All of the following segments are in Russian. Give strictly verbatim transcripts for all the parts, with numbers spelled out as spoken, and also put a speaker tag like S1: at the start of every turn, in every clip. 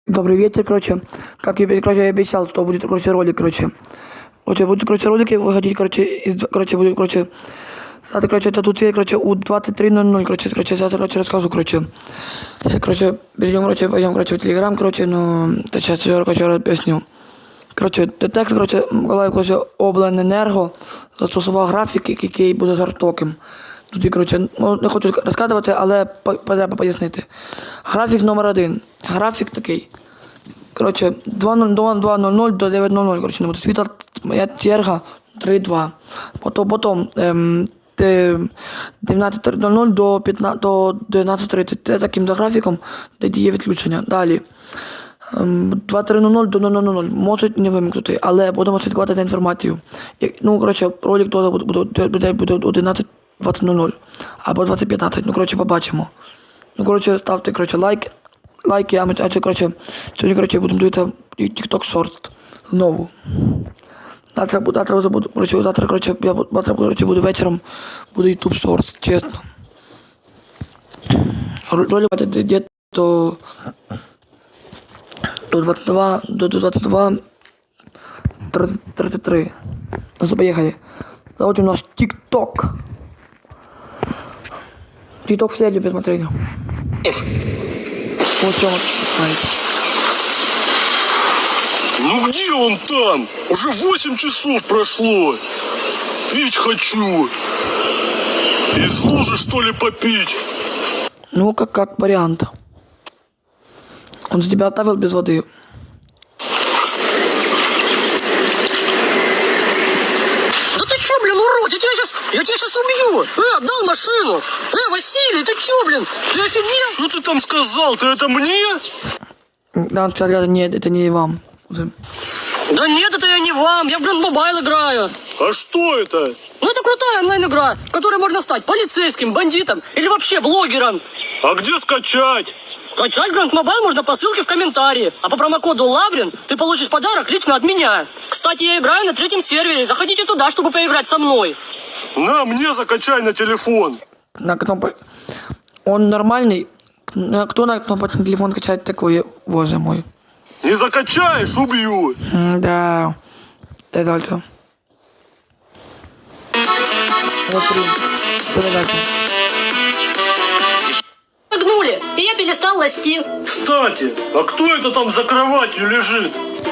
S1: Добрый вечер, короче. Как я, короче, я обещал, что будет, короче, ролик, короче. Короче, будут, короче, ролики выходить, короче, из, короче, будет, короче, завтра, короче, это тут, короче, у двадцать три ноль ноль, короче, короче, завтра, короче, рассказываю, короче. Сейчас, короче, перейдем, короче, пойдем, короче, в Телеграм, короче, ну, сейчас я, короче, объясню. Короче, текст, короче, Миколаїв, короче, обленерго застосував графік, який буде жорстоким. Тут, короче, ну, не хочу розказувати, але треба пояснити. Графік номер один. Графік такий. Короче, два нуль нуль до дев'ять нуль нуль, короче, не буде світла, моя черга три два. Потім, потім ем, дев'ятнадцять нуль нуль до дев'ятнадцять тридцять. Це таким за графіком, де діє відключення. Далі. двадцять три нуль нуль до нуль нуль нуль. Можуть не вимкнути, але будемо слідкувати за інформацією. Ну, короче, ролик теж буде, буде, буде одинадцять двадцять нуль нуль. Або двадцять п'ятнадцять. Ну, короче, побачимо. Ну, короче, ставте, короче, лайк. Лайки, а ми, а це, короче, сьогодні, короче, будемо дивитися TikTok Short знову. Завтра, завтра буду, короче, завтра, короче, я завтра, короче, буду вечором, буду YouTube Short, чесно. Ролик буде до, до двадцять два, до двадцять два тридцять три. Ну, поехали. Заводим наш TikTok. TikTok все любят смотреть. Вот чем
S2: Ну где он там? Уже восемь часов прошло. Пить хочу. Из лужи, что ли, попить?
S1: Ну, как, как вариант. Он за тебя оставил без воды.
S3: Да ты чё, блин, урод? Я тебя сейчас, я тебя сейчас убью. Э, отдал машину. Э, Василий, ты чё, блин? Ты офигел?
S2: Что ты там сказал? Ты это мне?
S1: Да, сказал, нет, это не вам.
S3: Да нет, это я не вам. Я в Grand Mobile играю.
S2: А что это?
S3: Ну, это крутая онлайн-игра, в которой можно стать полицейским, бандитом или вообще блогером.
S2: А где скачать?
S3: Скачать Grand Mobile можно по ссылке в комментарии. А по промокоду Лаврин ты получишь подарок лично от меня. Кстати, я играю на третьем сервере. Заходите туда, чтобы поиграть со мной.
S2: На, мне закачай на телефон.
S1: На кнопку. Он нормальный. Кто на кнопочный телефон качает такое, боже мой.
S2: Не закачаешь, убью.
S1: Да. Дай дальше. Смотри. Давай дальше.
S3: Нагнули, и я перестал ласти.
S2: Кстати, а кто это там за кроватью лежит?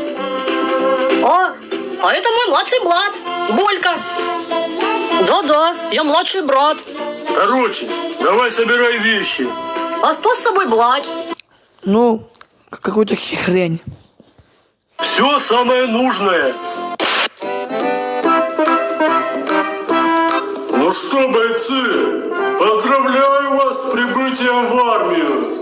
S3: А, а это мой младший брат, Болька. Да-да, я младший брат.
S2: Короче, давай собирай вещи.
S3: А что с собой брать?
S1: Ну, какую-то хрень.
S2: Все самое нужное. Ну что, бойцы, поздравляю вас с прибытием в армию.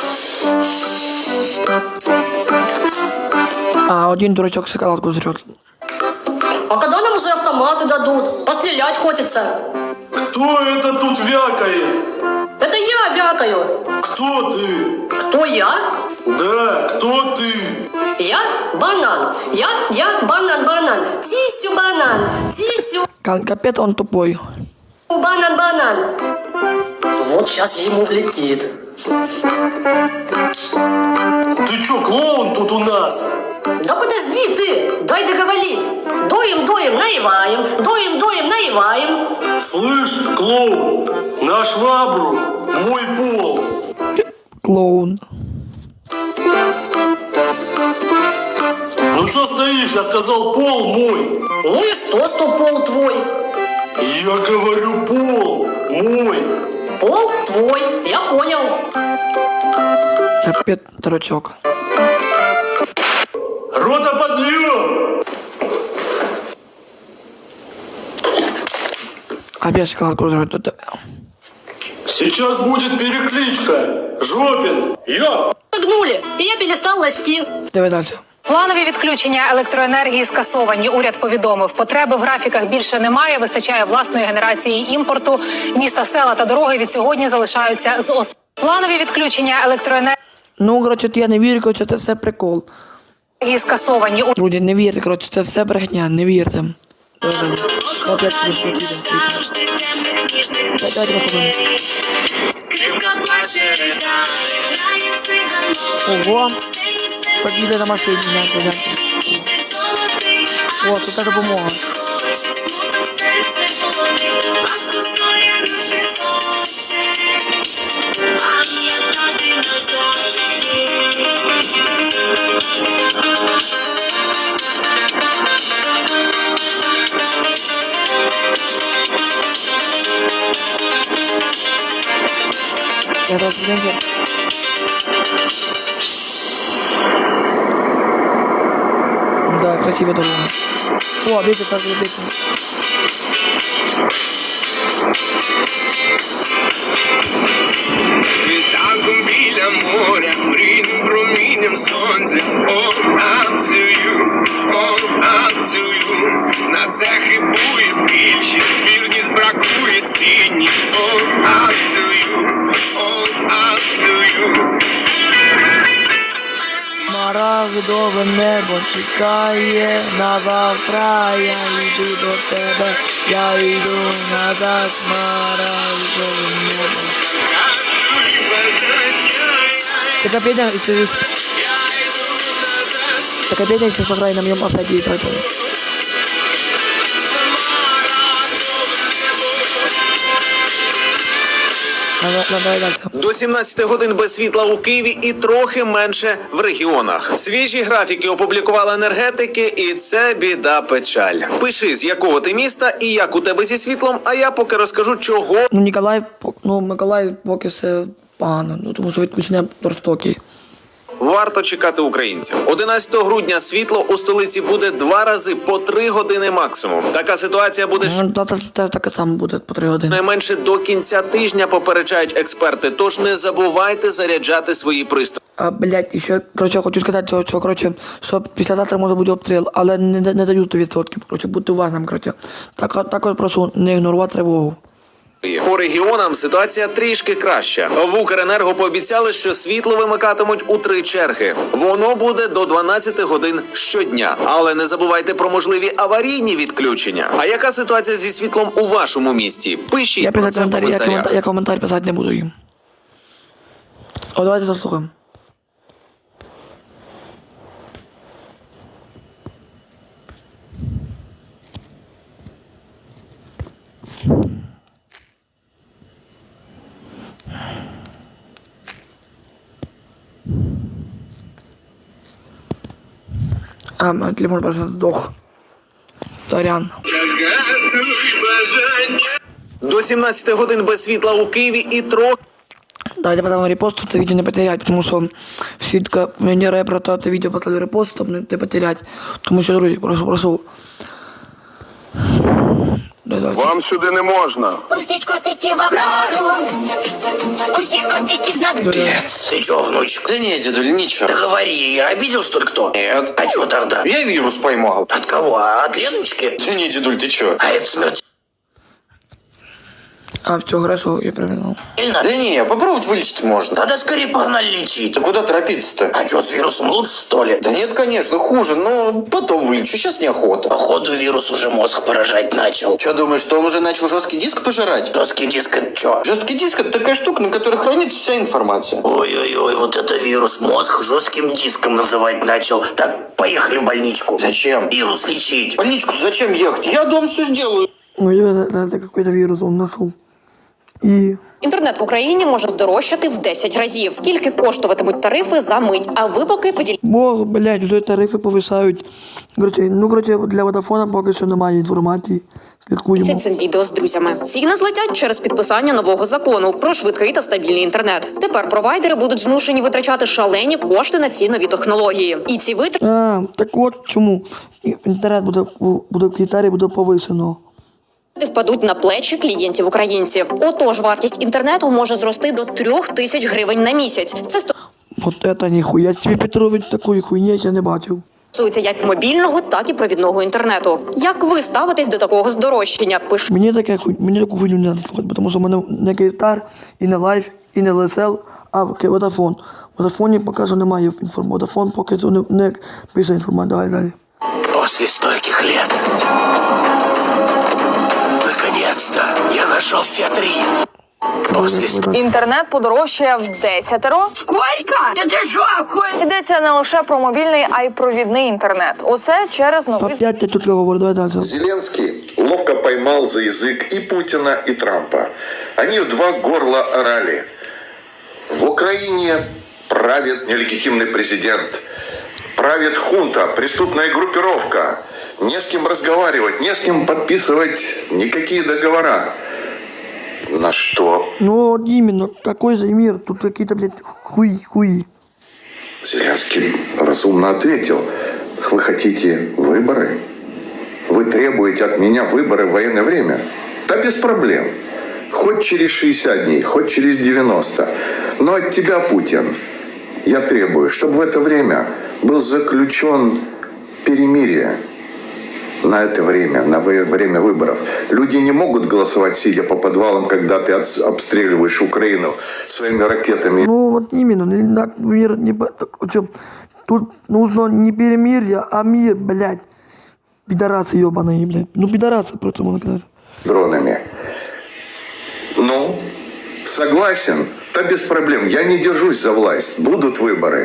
S1: А один дурачок шоколадку жрет.
S3: А когда нам уже автоматы дадут? Пострелять хочется.
S2: Кто это тут вякает?
S3: Это я вякаю.
S2: Кто ты?
S3: Кто я?
S2: Да, кто ты?
S3: Я банан. Я, я банан, банан. Тисю банан. Тисю
S1: Капец, он тупой.
S3: банан, банан. Вот сейчас ему влетит.
S2: Ты чё, клоун тут у нас?
S3: Да подожди ты, дай договорить. Доим, доим, наеваем. Доим, доим, наеваем.
S2: Слышь, клоун, на швабру мой пол.
S1: Клоун.
S2: Ну что стоишь, я сказал, пол мой.
S3: Ну и сто, сто пол твой.
S2: Я говорю, пол мой.
S3: Пол твой, я понял.
S1: Капец, дурачок.
S2: Рота, подъем!
S1: Опять шоколадку жрет.
S2: Сейчас будет перекличка. Жопин, я.
S3: Нагнули, и я перестал ласти.
S1: Давай дальше.
S4: Планові відключення електроенергії скасовані. Уряд повідомив, потреби в графіках більше немає, вистачає власної генерації імпорту. Міста, села та дороги від сьогодні залишаються з ос. Планові відключення електроенергії
S1: Ну, короче, я не вірю, короче, це все прикол.
S4: скасовані.
S1: Друзі, не вірте, короче, це все брехня, не вірте.
S5: Скрипка плаче, ридає, грає циган.
S1: Ого. Так їде на машині, гляньте, гляньте. О, це та допомога. Я раз гляньте. Да, красивая дорога. О, ветер, так, ветер.
S5: Світанком біля моря, мрійним промінням сонця. All up to you, all up to you. На це хибує більшість, вірність бракує цінність. All up to you, all up to you.
S1: Смарагдове небо чекає на завтра, я йду до тебе, я йду назад, смарагдове небо. Така песня, если... Така песня, если сыграй на моем офсайде и поэтому. Надо, надо дальше.
S6: До сімнадцяти годин без світла у Києві і трохи менше в регіонах. Свіжі графіки опублікували енергетики, і це біда печаль. Пиши, з якого ти міста і як у тебе зі світлом, а я поки розкажу, чого
S1: Ну, Ніколаїв, ну, Миколаїв поки все погано, ну, тому що відключення жорстокі.
S6: варто чекати українців. одинадцятого грудня світло у столиці буде два рази по три години максимум. Така ситуація буде
S1: Ну, та, та, та, таке саме буде по три години.
S6: найменше до кінця тижня, попереджають експерти. Тож не забувайте заряджати свої пристрої.
S1: А, блядь, і ще, коротше, хочу сказати, що, що, коротше, що післязавтра може бути обстріл, але не, не, не дають сто відсотків, коротше, будьте уважним, коротше. Так, також прошу не ігнорувати тривогу.
S6: По регіонам ситуація трішки краща. В Укренерго пообіцяли, що світло вимикатимуть у три черги. Воно буде до дванадцяти годин щодня. Але не забувайте про можливі аварійні відключення. А яка ситуація зі світлом у вашому місті? Пишіть
S1: Я
S6: про
S1: писати
S6: це в
S1: коментарі, я,
S6: коментарях.
S1: коментар, я коментар писати не буду їм. О, давайте заслухаємо. А, телефон просто сдох. Сорян.
S6: До сімнадцяти годин без світла у Києві і трохи
S1: Давайте потом репост, это видео не потерять, потому что всегда мне рэп про это видео поставлю репост, чтобы не потерять. Тому що, друзі, прошу, прошу.
S2: Вам сюди не можна.
S7: Пустить котики в оборону. Пустить котики в знак.
S8: Ты чё, внучек? Да нет, дедуль, ничего. Да говори, я обидел, что ли, кто? Нет. А чё тогда? Я вирус поймал. От кого? От Леночки? Да нет, дедуль, ты чё? А это смерть.
S1: А, все, хорошо, я проверил.
S8: Да не, попробовать вылечить можно. Тогда скорее погнали лечить. Да куда торопиться-то? А что, с вирусом лучше, что ли? Да нет, конечно, хуже, но потом вылечу, сейчас неохота. Походу, вирус уже мозг поражать начал. Что, думаешь, что он уже начал жесткий диск пожирать? Жесткий диск это что? Жесткий диск это такая штука, на которой хранится вся информация. Ой-ой-ой, вот это вирус мозг жестким диском называть начал. Так, поехали в больничку. Зачем? Вирус лечить. В больничку зачем ехать? Я дом все сделаю.
S1: Ну, я, это какой-то вирус он нашел. І...
S9: Інтернет в Україні може здорожчати в десять разів. Скільки коштуватимуть тарифи за мить? А ви поки поділіться.
S1: Бо, блядь, вже тарифи повисають. Короче, ну, короче, для Водафона поки що немає інформації. Слідкуємо.
S9: Цим відео з друзями. Ціни злетять через підписання нового закону про швидкий та стабільний інтернет. Тепер провайдери будуть змушені витрачати шалені кошти на ці нові технології. І ці витрати
S1: А, так от чому. Інтернет буде, буде в Китаї буде повисено.
S9: впадуть на плечі клієнтів-українців. Отож, вартість інтернету може зрости до трьох тисяч гривень на місяць. Це
S1: Вот это ніхуя собі, Петрович, такої хуйні я не бачив.
S9: стосується як мобільного, так і провідного інтернету. Як ви ставитесь до такого здорожчання? Пишіть.
S1: Мені таке хуй, мені таку хуйню не треба слухати, тому що в мене не Київстар, і не Лайф, і не Лесел, а Водафон. В Водафоні поки що немає інформації. Водафон поки що не, не пише інформацію. Давай далі.
S8: После стольких лет. Наконец-то я нашел все три.
S10: Інтернет подорожчає в десятеро.
S7: Сколько? Та ти що, хуй?
S10: Йдеться не лише про мобільний, а й провідний інтернет. Усе через новий
S1: Опять я тут говорю, давай дальше.
S11: Зеленский ловко поймал за язык и Путина, и Трампа. Они в два горла орали. В Украине правит нелегитимный президент. Правит хунта, преступная группировка. Не с кем разговаривать, не с кем подписывать никакие договора. На что
S1: Ну вот именно, какой за мир? Тут какие-то, блядь, хуи-хуи.
S11: Зеленский разумно ответил. Вы хотите выборы? Вы требуете от меня выборы в военное время? Да без проблем. Хоть через шестьдесят дней, хоть через девяносто. Но от тебя, Путин, я требую, чтобы в это время был заключен перемирие. На это время, на время выборов. Люди не могут голосовать, сидя по подвалам, когда ты обстреливаешь Украину своими ракетами.
S1: Ну вот именно, не так мир не... по- так, в чём? Тут нужно не перемирие, а мир, блядь. Пидорасы ебаные, блядь. Ну пидорасы просто можно сказать.
S11: Дронами. Ну, согласен? Да без проблем. Я не держусь за власть. Будут выборы.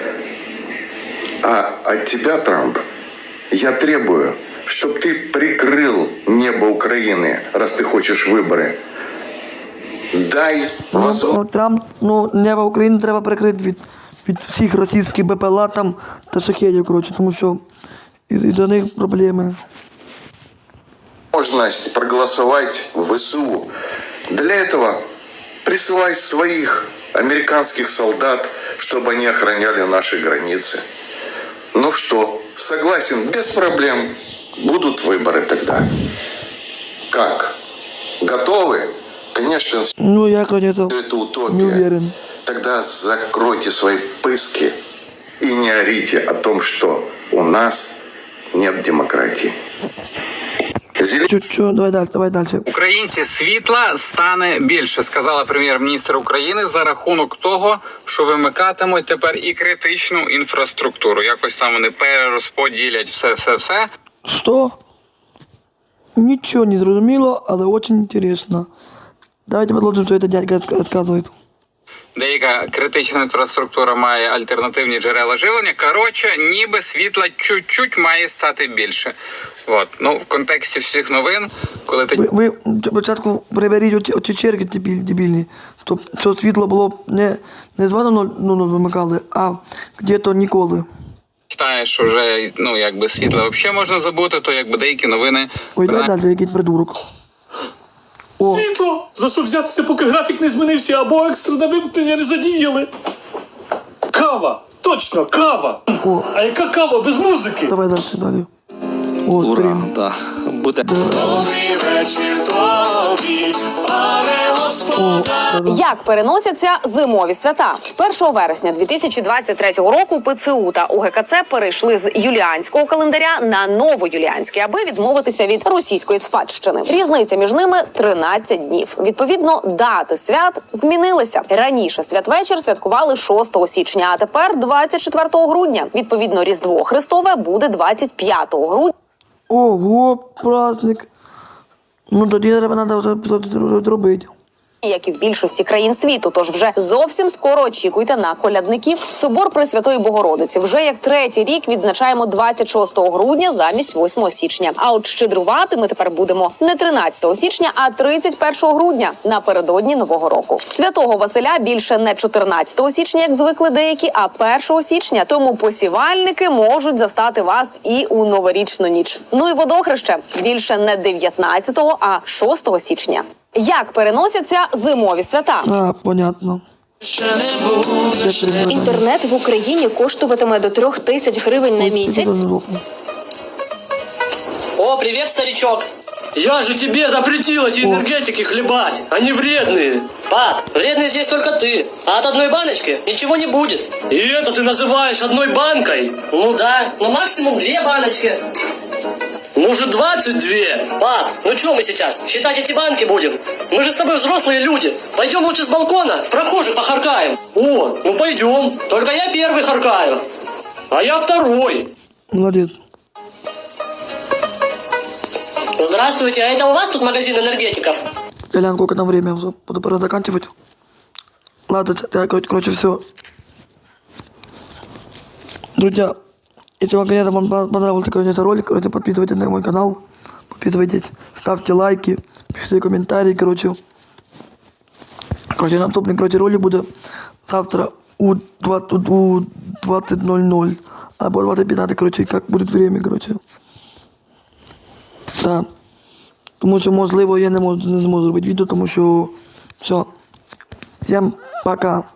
S11: А от тебя, Трамп, я требую, чтобы ты прикрыл небо Украины, раз ты хочешь выборы. Дай
S1: Ну,
S11: возможность.
S1: о, Трамп, ну, небо України треба прикрити від, від всіх російських БПЛА там та шахедів, коротше, тому що із- із-за них проблеми.
S11: возможность проголосовать в ВСУ. Для этого присылай своих американских солдат, чтобы они охраняли наши границы. Ну что, согласен, без проблем. Будут выборы тогда. Как? Готовы? Конечно, все
S1: Ну, я, конечно,
S11: это
S1: не
S11: утопия.
S1: уверен.
S11: Тогда закройте свои пыски и не орите о том, что у нас нет демократии. Зелен-
S1: Чуть-чуть, давай далі, давай далі.
S12: Українці, світла стане більше, сказала прем'єр-міністр України за рахунок того, що вимикатимуть тепер і критичну інфраструктуру. Якось там вони перерозподілять все-все-все.
S1: Що? Нічого не зрозуміло, але дуже інтересно. Давайте продовжимо, що це дядька розказує.
S12: Деяка критична інфраструктура має альтернативні джерела живлення. Коротше, ніби світла чуть-чуть має стати більше. От. Ну, в контексті всіх новин, коли ти...
S1: Ви, ви спочатку приберіть оці, оці черги дебіль- дебільні, щоб, щоб світло було не, не два нуль нуль вимикали, а где-то ніколи.
S12: читаєш уже, ну, якби світла взагалі можна забути, то якби деякі новини...
S1: Ой, давай далі, якийсь придурок. О,
S2: Світло! За що взятися, поки графік не змінився, або екстрене вимкнення не задіяли? Кава! Точно, кава!
S1: о,
S2: А яка кава без музики?
S1: давай далі, далі. О, стрім.
S12: Так, буде.
S1: О, да-да.
S9: Як переносяться зимові свята? З першого вересня дві тисячі двадцять третього року ПЦУ та УГКЦ перейшли з юліанського календаря на новоюліанський, аби відмовитися від російської спадщини. Різниця між ними тринадцять днів. Відповідно, дати свят змінилися. Раніше святвечір святкували шостого січня, а тепер двадцять четвертого грудня. Відповідно, Різдво Христове буде двадцять п'ятого грудня.
S1: Ого, праздник. Ну тоді треба треба зробити.
S9: Як і в більшості країн світу, тож вже зовсім скоро очікуйте на колядників. Собор Пресвятої Богородиці вже як третій рік відзначаємо двадцять шостого грудня замість восьмого січня. А от щедрувати ми тепер будемо не тринадцятого січня, а тридцять першого грудня, напередодні Нового року. Святого Василя більше не чотирнадцятого січня, як звикли деякі, а першого січня. Тому посівальники можуть застати вас і у новорічну ніч. Ну і водохреще більше не дев'ятнадцятого, а шостого січня. Як переносяться зимові свята?
S1: А, понятно.
S10: інтернет в Україні коштуватиме до трьох тисяч гривень на місяць.
S3: О, привет, старичок.
S2: Я же тебе запретил эти энергетики хлебать, они вредные.
S3: Пап, вредный здесь только ты. А от одной баночки ничего не будет.
S2: И это ты называешь одной банкой?
S3: Ну да, ну максимум две баночки.
S2: Может, двадцать две?
S3: Пап, ну что мы сейчас, считать эти банки будем? Мы же с тобой взрослые люди. Пойдем лучше с балкона, в прохожих похаркаем.
S2: О, ну пойдем.
S3: Только я первый харкаю.
S2: А я второй.
S1: Молодець.
S3: Здравствуйте, а это у вас тут магазин энергетиков?
S1: Я гляну, сколько там время, всё, буду пора заканчивать. Ладно, это, короче, короче, все. Друзья, если вам, конечно, вам понравился, короче, этот ролик, короче, подписывайтесь на мой канал, подписывайтесь, ставьте лайки, пишите комментарии, короче. Короче, наступный, короче, ролик будет завтра у двадцать ноль ноль, або двадцать пятнадцать, короче, как будет время, короче. Да. Тому що, можливо, я не можу, не зможу робити відео, тому що все. Всім пока.